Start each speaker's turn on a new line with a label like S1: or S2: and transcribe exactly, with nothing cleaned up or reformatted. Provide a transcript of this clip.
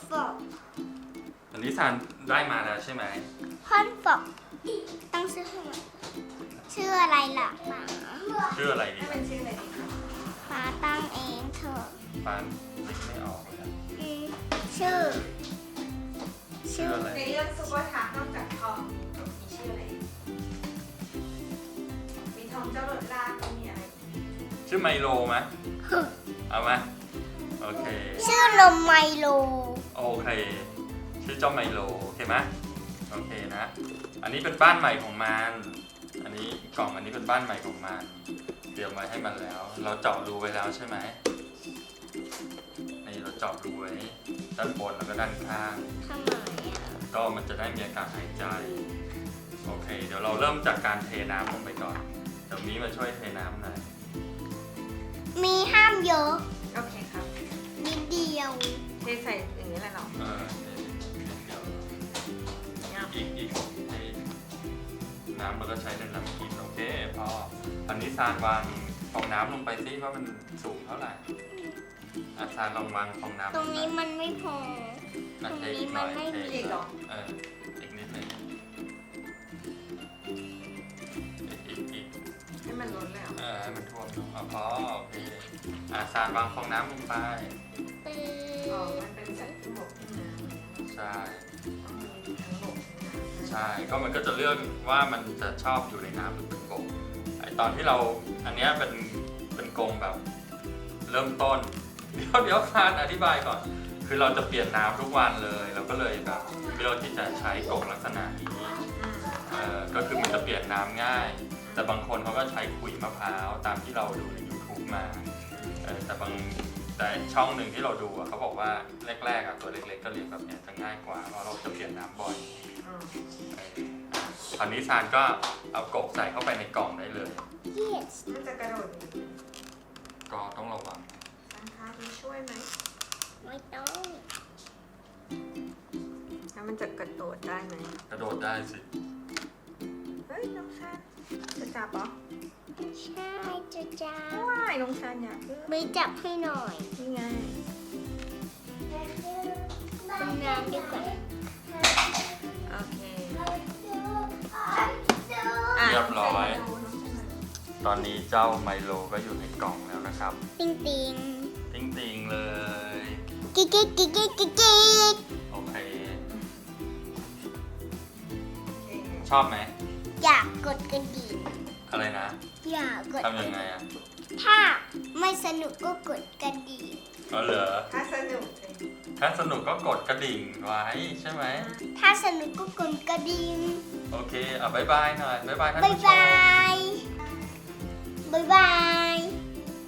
S1: ฟอก
S2: อันนี้ซานได้มาแล้วใช่ไหม
S1: ฮอนฟอกตั้งชื่อให้มันชื่ออะไรล่ะป๋า
S2: ชื่ออะไรดี
S3: ให้เป็นชื่ออะไรดีคะ
S1: ป๋าตั้งเองเถอะ
S2: ฟานนึกไม่ออกเลย
S1: อืมชื่อ
S2: ชื่ออะไร
S3: ในเรื่องซุปเปอร์ทาร์นอกจากทอมมีชื่ออะไรอีกมีทอมเจ้าหลดล่าก็มีอะไรอีก
S2: ชื่อไมโลไหมเอาไหมโอเค
S1: ชื่อนมไมโล
S2: โอเค ชื่อเจ้าไมโลโอเคไหมโอเคนะ อันนี้เป็นบ้านใหม่ของมัน อันนี้กล่องอันนี้เป็นบ้านใหม่ของมัน เตรียมไว้ให้มันแล้ว เราเจาะรูไว้แล้วใช่ไหมนี่เราเจาะรูไว้ด้านบนแล้วก็ด้านข้าง
S1: ทำไมอ่ะ
S2: ก็มันจะได้มีอากาศหายใจ โอเค เดี๋ยวเราเริ่มจากการเทน้ำลงไปก่อน เดี๋ยวนี้มาช่วยเทน้ำหน่อย
S1: มีห้ามเยอะ
S3: โอเคครับ
S1: นิดเดียว
S3: เทใส่อย่างนี้แหละเนาะ
S2: เออเทเดี๋ยว
S3: เนี่ย
S2: อีกอีกเทน้ำเราก็ใช้เป็นน้ำกินโอเคพออันนี้ซานวางฟองน้ำลงไปซิว่ามันสูงเท่าไหร่อาซานลองวางฟองน้ำ
S1: ตรงนี้มันไม่พอ
S2: อ่ะ
S1: ตรง
S2: เท
S1: นี้
S2: อีกห
S1: มั
S2: น่
S1: น
S2: อย
S1: ไม่
S2: เท
S1: มี
S3: อีกเหรอ
S2: เอออีกนิดหนึงอีกอีกอีก
S3: ให้มันล้นแล้ว
S2: เออให้มันท่วมลงอ่ะพอโอเคอ่ะซานวางฟองน้ำลงไป
S1: ปื
S3: อ๋อมันเป็นสัตว์ที่บกที่น้ำ
S2: ใช่
S3: ต้องมีทั้งบกทั้งน้ำ
S2: ใช่ ก็มันก็จะเลือกว่ามันจะชอบอยู่ในน้ำหรือเป็นกรงไอตอนที่เราอันเนี้ยเป็นเป็นกรงแบบเริ่มต้น เดี๋ยวเดี๋ยวคานอธิบายก่อน คือเราจะเปลี่ยนน้ำทุกวันเลยเราก็เลยแบบเลือกที่จะใช้กรงลักษณะนี้
S3: อืม
S2: เอ่อก็คือมันจะเปลี่ยนน้ำง่าย แต่บางคนเขาก็ใช้ขุยมะพร้าวตามที่เราดูใน ยูทูบ มาเออแต่บางแต่ช่องหนึ่งที่เราดูอะเขาบอกว่าแรกๆอะตัวเล็กๆก็เลี้ยงแบบเนี้ยจะง่ายกว่าเพราะเราจะเปลี่ยนน้ำบ่อย
S3: อืม
S2: คราวนี้ซานก็เอากบใส่เข้าไปในกล่องได้เลย
S1: yes
S3: มันจะกระโดดหนี
S2: ก็ต้องระวัง
S3: สังคามีช่วยไหม
S1: ไม่ต้อง
S3: แล้วมันจะกระโดดได้ไหม
S2: กระโดดได้สิ
S3: เฮ้ยน้องชานจะจับเหรอ
S1: ใช่จะจ้า
S3: ว้ายน้องชานอยากเลือก
S1: ไม่จับให้หน่อย
S3: นี่ไง
S1: เป็นน้ำดีกว่า
S3: โอเค
S2: เรียบร้อย ตอนนี้เจ้าไมโลก็อยู่ในกล่องแล้วนะครับ
S1: ติงติง
S2: ติ้งติงๆเลย
S1: กิ๊กกิ๊กกิ๊กกิ๊กกิ๊กกิ๊ก
S2: โอเค
S3: โอเค
S2: ชอบไหม
S1: อยากกดกระดิ่ง
S2: อะไรนะ
S1: อยากกด
S2: ทำยังไงอ่ะ
S1: ถ้าไม่สนุกก็กดกระดิ่ง
S2: ก็เหรอ
S3: ถ้าสนุกเลย
S2: ถ้าสนุกก็กดกระดิ่งไว้ใช่ไหม
S1: ถ้าสนุกก็กดกระดิ่ง
S2: โอเคเอาบายบายหน่อยบายบายท่าน
S1: บ๊าย
S2: ผู้ช
S1: บาม ยบ๊ายบาย